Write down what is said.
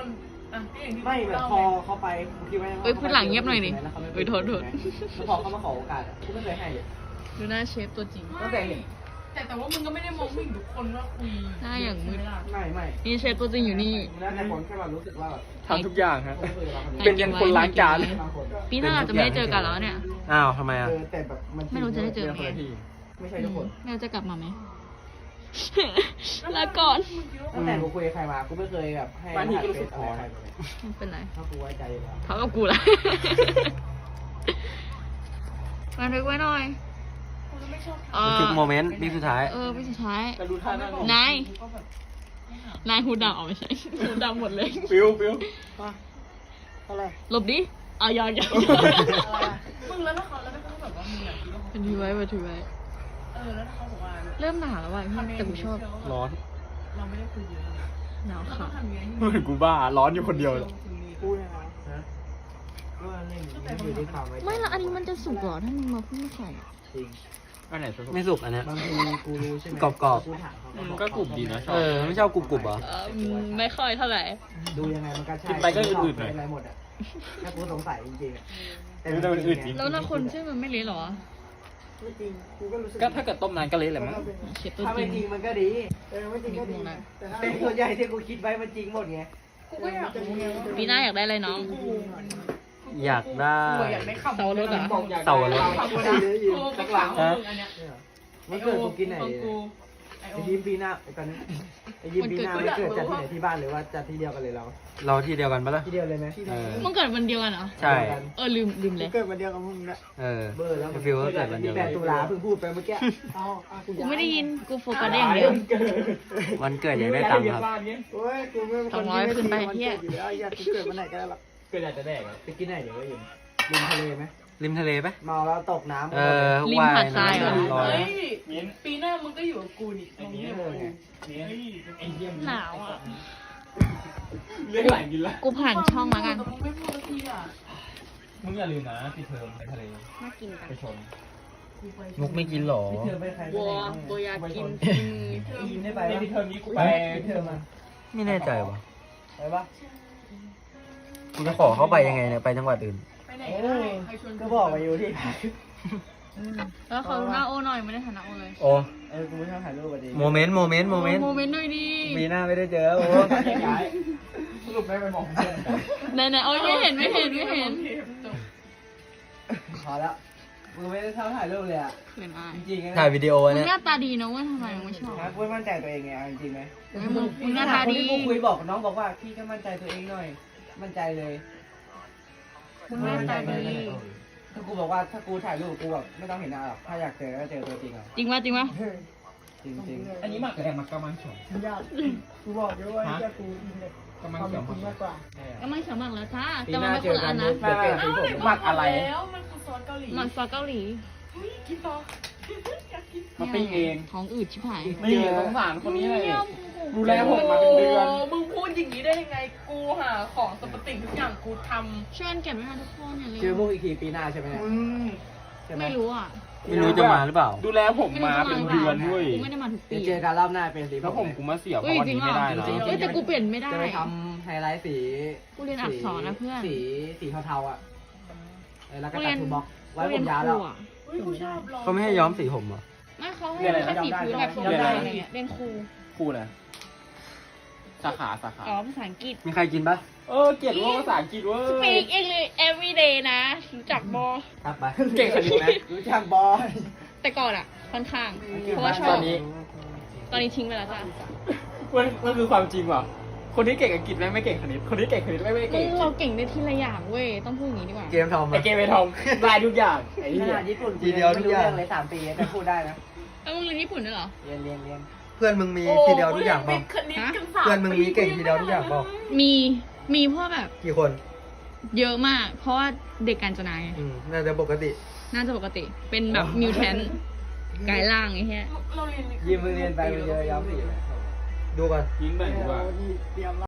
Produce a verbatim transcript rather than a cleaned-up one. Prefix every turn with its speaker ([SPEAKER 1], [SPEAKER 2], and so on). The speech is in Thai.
[SPEAKER 1] มันอ่ะที่อย่างที่
[SPEAKER 2] ไม่แบบพอเขาไปกูคิดว่า
[SPEAKER 3] เอ้ยพื้นหลังเงียบหน่อยดิ
[SPEAKER 2] แล้วเขาไม่
[SPEAKER 3] เอ้ยโทษโทษ
[SPEAKER 2] แล้วพอเขามาขอโอกาสอะกูไม่เคยให้เลย
[SPEAKER 3] ดูหน้าเชฟตัวจริง
[SPEAKER 2] ตั้งแต่เห็น
[SPEAKER 1] แต่แต่ว่ามึงก็ไม่ได้มองผู้หญิงทุกคนว่าคุย
[SPEAKER 3] หน้าอย่างมืด
[SPEAKER 2] ไม่ไม่
[SPEAKER 3] นี่เชฟตัวจริงอยู่นี่
[SPEAKER 2] แล้วแต่คนแค่แบบรู้สึกว่าแบบ
[SPEAKER 4] ทำทุกอย่างฮะ
[SPEAKER 2] ไม่เคยทำ
[SPEAKER 4] เป็นยันคนล้างจาน
[SPEAKER 2] บางคน
[SPEAKER 3] ปีหน้าเราจะไม่ได้เจอกันแล้วเนี่ย
[SPEAKER 4] อ้าวทำไมอ่ะ
[SPEAKER 2] เออแต่แบบมัน
[SPEAKER 3] ไม่รู้จะได้เจอไหม
[SPEAKER 2] ไม่ใช่ทุกคน
[SPEAKER 3] แม่จะกลับมาไหม ลาก่อน
[SPEAKER 2] ตั้งแต่กูคุยกับใครมากูไม่เคยแบบให้
[SPEAKER 4] บางทีก็รู้สึก
[SPEAKER 2] อะ
[SPEAKER 4] พอ
[SPEAKER 2] ไรใคร
[SPEAKER 4] นะ
[SPEAKER 2] เลย
[SPEAKER 3] ไม่เป็นไร
[SPEAKER 2] ถ้ากูไว้ใจอยู่แล้ว
[SPEAKER 3] เขากับกูละ มาทึกไว้หน่อย
[SPEAKER 1] กูจะไม่ชอบ
[SPEAKER 3] เออ
[SPEAKER 4] ทุกโมเมนต์นี่สุดท้าย
[SPEAKER 3] เออพี่สุดท้าย
[SPEAKER 4] แต่ดูท่านั่ง
[SPEAKER 3] นาย
[SPEAKER 1] กูก็แบบไม่หาน
[SPEAKER 3] ายฮูดดำเอาไม่ใช่ ฮูดดำหมดเลย
[SPEAKER 4] ฟิวฟิว
[SPEAKER 2] อะไร
[SPEAKER 3] หลบดิเอายอมยอม
[SPEAKER 1] อะไรอะมึงแล้วถ้าเขาแล้วถ้าเขาแบบว่ามึงอยากคิดว่า
[SPEAKER 3] เป็นทีไว้เป็นทีไว้
[SPEAKER 1] เออแล้วถ้าเขาบอกว่า
[SPEAKER 3] เริ่มหนาวแล้วว่ะพี่แต่กูชอบ
[SPEAKER 4] ร้อน
[SPEAKER 1] เราไม่ได้คุยเยอะเลย
[SPEAKER 3] หนาว
[SPEAKER 1] เรา
[SPEAKER 3] ค่ะ
[SPEAKER 1] ต้องทำยังไง
[SPEAKER 4] เหมือนกูบ้า ร้อนอยู่คนเดียวเลย
[SPEAKER 2] พูดยังไงฮะก็เล่นอยู่ที่ความไว้ใจ
[SPEAKER 3] ไม่ละอันนี้มันจะสุกเหรอถ้ามึงมาเพิ่งใส่อะ
[SPEAKER 2] จริง
[SPEAKER 4] อันไหนสุด
[SPEAKER 5] ไม่สุกอันเนี้ย
[SPEAKER 2] บางทีกูรู้ใช่ไหม
[SPEAKER 5] กรอบๆ
[SPEAKER 2] กูถามเขา
[SPEAKER 4] อืมก็กรุบดีนะชอบ
[SPEAKER 5] เออ ไม่ชอบกรุบกรุบเหรอ
[SPEAKER 3] เออไม่ค่อยเท่าไหร่
[SPEAKER 2] ดูยังไงมันก็ใช่
[SPEAKER 4] กินไปก็อืดๆหน่อย
[SPEAKER 2] อะไรหมดอ่ะถ้ากูสงสัยจริงๆอะ
[SPEAKER 4] แต่มันอืดจริง
[SPEAKER 3] แล้วนะคนเส้นมันไม่เละเหรอ
[SPEAKER 2] ไม่จริงกูก็รู้สึก
[SPEAKER 4] ก็ถ้าเกิดต้มนานก็เละแหละมั้ง
[SPEAKER 3] เชฟตัว
[SPEAKER 2] ถ้า
[SPEAKER 3] จ
[SPEAKER 2] ไม่
[SPEAKER 3] ริง
[SPEAKER 2] จริงมันก็ดีเออไม่จริงก็ดี
[SPEAKER 3] นี่กูนะ
[SPEAKER 2] แต่ถ้าส่วนใหญ่ที่กูคิดไว้มันจริงหมดไง
[SPEAKER 1] กูก็อยากรู้ไงว่า
[SPEAKER 3] ปีหน้าอยากได้อะไรน้อง
[SPEAKER 1] กูมัน
[SPEAKER 5] อยากได้
[SPEAKER 1] กูอยากได้คำ
[SPEAKER 3] เสารถเหรอ
[SPEAKER 5] เสารถ
[SPEAKER 1] คำกูนะกูไปขาวมึงอันเนี้ย
[SPEAKER 2] มันเกิดกูกินไหน
[SPEAKER 1] ของ
[SPEAKER 2] ดี
[SPEAKER 1] กู
[SPEAKER 2] ไอ้ยิ้มปีหน้าไอ้ตอนนี้ไอ้ยิ้มปีหน้า
[SPEAKER 1] มัน
[SPEAKER 2] ไม่
[SPEAKER 1] เกิ
[SPEAKER 2] เกิ
[SPEAKER 1] ด
[SPEAKER 2] ดจัดที่ไหนที่บ้านหรือว่าจัดที่เดียวกันเลยเรา
[SPEAKER 5] เราที่เดียวกันปะล่ะ
[SPEAKER 2] ที่เดียวเลยไหม
[SPEAKER 5] เออ
[SPEAKER 3] มึงเกิดวันเดียวกันเหรอ
[SPEAKER 5] ใช่
[SPEAKER 3] เออลืมลืมเลย
[SPEAKER 2] เกิดวันเดียวกับมึงนะ
[SPEAKER 5] เออ
[SPEAKER 2] เบอร์แล้ว
[SPEAKER 5] ฟิวก็เกิดวันเดียว
[SPEAKER 2] แป
[SPEAKER 5] กั
[SPEAKER 2] ด
[SPEAKER 5] น
[SPEAKER 2] ตุลาเพิ่งพูดไปเมื่อกี้เอาเอา
[SPEAKER 3] กูไม่ได้ยิน กูโฟกัสได้อย่างเดียว
[SPEAKER 5] วันเกิดอยากได้ตังค์ครับ
[SPEAKER 2] โอ้ยกูไม่เป็น
[SPEAKER 3] ส
[SPEAKER 2] ค
[SPEAKER 3] อง
[SPEAKER 2] น
[SPEAKER 3] ร้อย
[SPEAKER 2] ที่
[SPEAKER 3] ขึ้นไป
[SPEAKER 2] ไม่
[SPEAKER 3] เหี้ย
[SPEAKER 2] กิดอยู่แล้วอยากกินเกิดวันไหนก็ได้หรอก
[SPEAKER 4] ก็อยากจะแดกอะ
[SPEAKER 2] ไปกินไหนเดี๋ยวก็ยินริมทะเลไหม
[SPEAKER 5] ริมทะเลปะ
[SPEAKER 2] เมาแล้วตกน้ำ
[SPEAKER 5] เออ
[SPEAKER 3] ริม
[SPEAKER 5] ว่าย
[SPEAKER 3] หาดทรายเหรอ
[SPEAKER 5] น้ำลอย
[SPEAKER 1] เฮ้ยปีหน้ามึงก็อยู่กับกูนี่มึงเนี่ย
[SPEAKER 2] เออไง
[SPEAKER 4] ไอ้เยี่ยม
[SPEAKER 3] หนาวอ่ะ
[SPEAKER 4] เรื่องหลายกินละ
[SPEAKER 3] กูผ่านช่องแล้วกัน
[SPEAKER 1] แต่มึงไม่พูดสักทีอ่ะ
[SPEAKER 4] มึงอย่าลืมนะปิดเทอมไปทะเล
[SPEAKER 3] น่ากินจัง
[SPEAKER 4] ไปชม
[SPEAKER 5] มุกไม่กินหรอ
[SPEAKER 2] พี่เธอไปใครไป
[SPEAKER 3] บัว
[SPEAKER 2] ไหนบ้าง
[SPEAKER 3] บัว
[SPEAKER 2] เนี่ย
[SPEAKER 3] อยากกิน
[SPEAKER 2] ยิมได้ไป
[SPEAKER 4] ใน
[SPEAKER 2] ปะ
[SPEAKER 4] ปิดเทอมนี้กูไป
[SPEAKER 2] พี่เธอมา
[SPEAKER 5] ไม่แน่ใจวะ
[SPEAKER 2] ไปปะ
[SPEAKER 5] กูจะขอเข้าไปยังไงเนี่ย ไปจังหวัดอื่น
[SPEAKER 1] ไปไหนก็ได้ใครชวน
[SPEAKER 2] ก็บอกมาอยู่ที่
[SPEAKER 3] แล้วเขาหน้าโอหน่อยไม่ได้ฐานะโอเลย
[SPEAKER 5] โอ้
[SPEAKER 2] เออกูไม่ชอบถ่ายรูปอ่ะดิ
[SPEAKER 5] โมเมนต์ โมเมนต์ โมเมนต์
[SPEAKER 3] โมเมนต์ด้วยดิ
[SPEAKER 5] ปีหน้าไม่ได้เจอโอ้
[SPEAKER 4] ย้ายสรุปได้ไปมองเพื่อนกัน
[SPEAKER 3] ไหนไหนๆโอ้ยไม่เห็นไม่เห็นไม่เห็น
[SPEAKER 2] พอแล้วมึงไม่ได้ชอบถ่ายรูปเลยอ่ะ
[SPEAKER 3] เขินอาย
[SPEAKER 2] จริงๆนะ
[SPEAKER 5] ถ่ายวิดีโอ
[SPEAKER 3] มึง
[SPEAKER 5] เนี่ย
[SPEAKER 3] หน้าตาดีนะเว้ยทำไมมึงไม่ชอบ
[SPEAKER 2] นะกูไม่มั่นใจตัวเองไงเอาจริงๆไหม
[SPEAKER 3] มึงมึงหน้าตา
[SPEAKER 2] คน
[SPEAKER 3] ดี
[SPEAKER 2] ที่กูคุยบอกน้องบอกว่าพี่ก็มั่นใจตัวเองหน่อย มั่นใจเลย
[SPEAKER 3] มึงหน้าตาดี
[SPEAKER 2] ถ้ากูบอกว่าถ้ากูถ่ายรูปกูแบบไม่ต้องเห็นหน้าหรอกถ้าอยากเจอก็เจอตัวจริงอ่ะ
[SPEAKER 3] จริงปะจริงปะ
[SPEAKER 2] จริงจริง
[SPEAKER 4] อันนี้หมักแรงมักกำมังเขียว
[SPEAKER 2] กูบอกด้วยว่าจะกู
[SPEAKER 4] กำมังเขียวมากกว่า
[SPEAKER 3] ก็ไม่สมัครแล้วจ้า
[SPEAKER 2] ปี
[SPEAKER 3] จะ
[SPEAKER 2] ห
[SPEAKER 3] มา
[SPEAKER 2] น้า
[SPEAKER 3] ไม่
[SPEAKER 2] เจ
[SPEAKER 3] ค
[SPEAKER 2] อน
[SPEAKER 3] ละ
[SPEAKER 2] กั
[SPEAKER 3] อั
[SPEAKER 2] น
[SPEAKER 3] น
[SPEAKER 2] นะ
[SPEAKER 3] นะ
[SPEAKER 2] เปลี่ยนสีผม
[SPEAKER 4] หมักอะไร
[SPEAKER 1] แล้วมันคือซอสเกาหลี
[SPEAKER 3] หมันซอสเกาหลี
[SPEAKER 1] เฮ้ยกินต่ออยากกิน
[SPEAKER 4] มาปิ้งเอง
[SPEAKER 3] ท้องอืดชิบหาย
[SPEAKER 4] นี่สงสารคนนี้เลยดูแลผมมาเป็นเดือน
[SPEAKER 1] โมึงพูดอย่างนี้ได้ยังไง กูหาของสปติงทุกอย่างกูทำ
[SPEAKER 3] ช่วยกันเก็บไว้นะทุกคนอย่าลื
[SPEAKER 2] เจอ
[SPEAKER 3] ม
[SPEAKER 2] พวกอีกทีปีหน้าใช่ไหมเนี่ย
[SPEAKER 4] อืม
[SPEAKER 2] ใช่ไหม
[SPEAKER 3] ไม่รู้อ่ะ
[SPEAKER 5] ไม่รู้จะมาหรือเปล่า
[SPEAKER 4] ดูแลผมมาเป็นเดือนด้วย
[SPEAKER 3] กูไม่ได้มาทุกปี
[SPEAKER 2] เดี๋ยวเจอกันรอบหน้าเป็นสี
[SPEAKER 4] แล้วผมกูมาเสียเพ
[SPEAKER 3] เฮ้ย
[SPEAKER 4] ราะวัน
[SPEAKER 3] จริง
[SPEAKER 4] นี้
[SPEAKER 3] เหร
[SPEAKER 4] ไม่
[SPEAKER 3] อ
[SPEAKER 4] ได้นะ
[SPEAKER 3] เฮ้ยแต่กูเปลี่ยนไม่ได้
[SPEAKER 2] จะไปทำไฮไลท์สี
[SPEAKER 3] กูเรียนอักษรนะเพื่อน
[SPEAKER 2] สีสีเทาๆอ่ะเออแล้วก็
[SPEAKER 3] กูเรี
[SPEAKER 2] ตั
[SPEAKER 3] ย
[SPEAKER 2] ด
[SPEAKER 3] น
[SPEAKER 2] ทูบ็อกไว้
[SPEAKER 3] กู
[SPEAKER 2] ผ
[SPEAKER 3] เรียน
[SPEAKER 2] มยาว
[SPEAKER 3] ค
[SPEAKER 2] แล้
[SPEAKER 3] รู
[SPEAKER 2] ว
[SPEAKER 3] อ่ะ
[SPEAKER 1] เฮ้ยกูชอบลอง
[SPEAKER 5] เขาไม่ให้ย้อมสีผมเหรอ
[SPEAKER 3] ไม่เขาให้แค่สีพื้นแบบทรงได้อะไรเงี้ยเรียนครู
[SPEAKER 4] ครูนะสาขาสาขา
[SPEAKER 3] อ๋อภาษาอังกฤษ
[SPEAKER 5] มีใครกินปะ
[SPEAKER 4] เออเกลียดว่าภาษาอังกฤษเว้ย
[SPEAKER 3] speak English every day นะรู้จักบอ
[SPEAKER 2] ครับไป
[SPEAKER 4] เก่งขนาดนี้ไหม
[SPEAKER 2] รู้จักบอล
[SPEAKER 3] แต่ก่อนอ่ะ ค่อนข้าง เพราะว่าชอบ
[SPEAKER 4] ตอนนี้
[SPEAKER 3] ตอนนี้ทิ้งไปแล้วจ้ะ
[SPEAKER 4] มันมันคือความจริงว่ะ คนที่เก่งอังกฤษแม่งไม่เก่งคณิต คนที่เก่งคณิตแม่งไม่
[SPEAKER 3] มึ
[SPEAKER 4] เก่ง
[SPEAKER 3] งเราเก่งได้ทีละอย่างเว้ย ต้องพูดอย่างนี้ดีกว่า
[SPEAKER 5] เกมทอม
[SPEAKER 4] ไอ
[SPEAKER 5] อะ
[SPEAKER 4] เกมไปทอมได้ทุกอย่างไอ้
[SPEAKER 2] ข
[SPEAKER 4] เหี้ย
[SPEAKER 2] นาดญี่ปุ่น
[SPEAKER 5] ทีเดียวทุ
[SPEAKER 2] ไม่
[SPEAKER 5] ก
[SPEAKER 2] รู้
[SPEAKER 5] อย่าง
[SPEAKER 2] เรื่องเลยสามปีแต่พูดได้นะ
[SPEAKER 3] แล้วมึงเรียนญี่ปุ่นด้วยเหรอ
[SPEAKER 2] เรียนเรียนเรียน
[SPEAKER 5] เพื่อนมึงมีทีเดียวทุกอย่างเปล่า
[SPEAKER 1] คณิตกันสาม
[SPEAKER 5] เพื่อนมึงมีเก่งทีเดียวทุกอย่างเปล่า
[SPEAKER 3] มี มีเพราะแบบ
[SPEAKER 5] กี่คน
[SPEAKER 3] เยอะมาก เพราะว่าเด็กการจนาไง
[SPEAKER 5] อืม น่าจะปกติ
[SPEAKER 3] น่าจะปกติ เป็นแบบมิวแทนกายล่างไอ้เหี้ย
[SPEAKER 1] เราเรียน
[SPEAKER 2] ยิมมึงเรียนไปมึงเยอะย้อมสีไหม
[SPEAKER 5] ดูก่อน
[SPEAKER 4] ยิงหน่อยดีกว่า
[SPEAKER 2] เตรียม